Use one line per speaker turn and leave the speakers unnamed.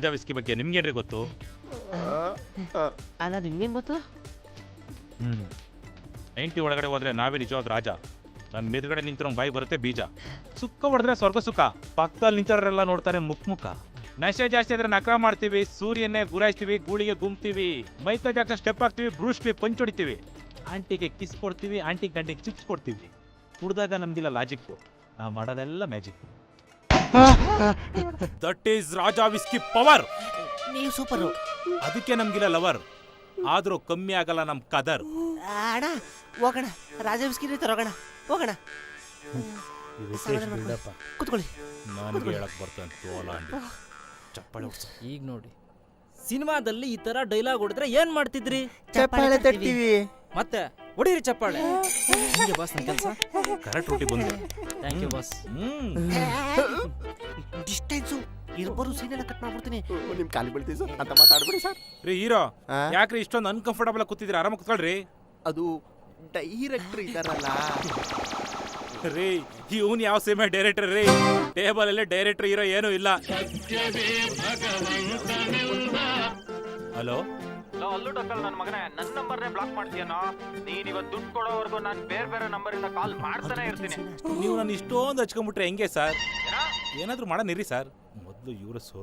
Raja whisky ಬಗ್ಗೆ ನಿಮ್ಗೇನ್ರಿ ಗೊತ್ತು?
ಅಲ್ಲ ನಿಮ್ಗೇನು ಗೊತ್ತು?
90 ಒಳಗಡೆ ಹೋದ್ರೆ ನಾವೇ ನಿಜವಾದ ರಾಜ. ನನ್ನ ಮೇಲ್ಗಡೆ ನಿಂತಿರೋ ಬಾಯಿ ಬರುತ್ತೆ ಬೀಜ. ಸುಕ್ಕ ಹೊಡೆದ್ರೆ ಸ್ವರ್ಗ ಸುಖ, ಪಕ್ಕದಲ್ಲಿ ನಿಂತವರೆಲ್ಲ ನೋಡ್ತಾರೆ ಮುಖ. ನಶೆ ಜಾಸ್ತಿ ಆದ್ರೆ ನಕರ ಮಾಡ್ತೀವಿ, ಸೂರ್ಯನ್ನೇ ಗುರಾಯಿಸ್ತೀವಿ, ಗೂಳಿಗೆ ಗುಮ್ತೀವಿ, ಮೈಕಲ್ ಜಾಕ್ಸನ್ ಸ್ಟೆಪ್ ಹಾಕ್ತೀವಿ, ಬ್ರೂಸ್ಲಿ ಪಂಚ್ ಹೊಡಿತೀವಿ, ಆಂಟಿಗೆ ಕಿಸ್ ಕೊಡ್ತೀವಿ, ಆಂಟಿ ಗಂಟೆಗೆ ಚಿಪ್ಸ್ ಕೊಡ್ತೀವಿ. ಕುಡ್ದಾಗ ನಮ್ದಿಲ್ಲ ಲಾಜಿಕ್ಕು, ನಾವು ಮಾಡೋದೆಲ್ಲ magic. That is Raja whisky power.
ನೀವು ಸೂಪರು.
ಅದಕ್ಕೆ ನಮ್ಗಿಲ್ಲ ಲವರ್, ಆದ್ರೂ ಕಮ್ಮಿ ಆಗಲ್ಲ ನಮ್ ಕದರ್.
ಅಣ್ಣ ಹೋಗೋಣ, ರಾಜ ಬಿಸ್ಕಿರಿ ತರೋಗೋಣ, ಹೋಗೋಣ. ಕೂತ್ಕೊಳ್ಳಿ.
ನನಗೆ ಹೇಳಕ್ ಬರ್ತಂತ ಚಪ್ಪಾಳೆ
ಈಗ ನೋಡಿ, ಸಿನಿಮಾದಲ್ಲಿ ಈ ತರ ಡೈಲಾಗ್ ಹೊಡೆದ್ರೆ ಏನ್ ಮಾಡ್ತಿದ್ರಿ?
ಚಪ್ಪಾಳೆ ತಟ್ತೀವಿ.
ಮತ್ತೆ ಹೊಡೀರಿ ಚಪ್ಪಾಳೆ. ಹಿಂಗೆ ಬಾಸ್ ನನ್ನ ಕೆಲಸ.
ಕರೆಕ್ಟ್ ರೂಟಿ ಬಂದೆ.
Thank you boss.
ಡಿಸ್ಟೆನ್ಸು ಇರ್ಬರು ಸೀನ್ ಎಲ್ಲ ಕಟ್ ಮಾಡ್ಬಿಡ್ತೀನಿ.
ನಿಮ್ ಕಾಲಿ ಬೀಳ್ತೀವಿ ಸರ್ ಅಂತ ಮಾತಾಡ್ಬಿಡಿ ಸರ್.
ರೀ ಹೀರೋ, ಯಾಕ್ರಿ ಇಷ್ಟೊಂದು ಅನ್ಕಂಫರ್ಟಬಲ್ ಕೂತಿದ್ರಿ? ಆರಾಮ ಕೂತ್ಕೊಳ್ರಿ.
ಅದು ಡೈರೆಕ್ಟರ್ ಇದಾರಲ್ಲ
ರೀ, ಇವನ್ ಯಾವ ಸಿನಿಮಾ ಡೈರೆಕ್ಟರ್ ರೀ? ಟೇಬಲ್ ಅಲ್ಲೇ ಡೈರೆಕ್ಟರ್ ಹೀರೋ ಏನೂ ಇಲ್ಲ. ಹಲೋ
ಅಲ್ಲು ಡಕ್ಕಲ್ ನನ್ನ ಮಗನೇ, ನನ್ನ ನಂಬರ್ನೇ ಬ್ಲಾಕ್ ಮಾಡ್ತೀಯನೋ? ನೀನ್ ಇವತ್ತು ದುಡ್ಡು ಕೊಡೋವರೆಗೂ ನಾನು ಬೇರೆ ನಂಬರ್ ಇಂದ ಕಾಲ್ ಮಾಡ್ತಾನೆ ಇರ್ತೀನಿ.
ನೀವು ನಾನು ಇಷ್ಟೊಂದು ಹಚ್ಕೊಂಡ್ಬಿಟ್ರೆ ಹೆಂಗೆ ಸರ್? ಏನಾದ್ರೂ ಮಾಡೋಣ ಇರಿ ಸರ್. ಮೊದಲು ಇವ್ರ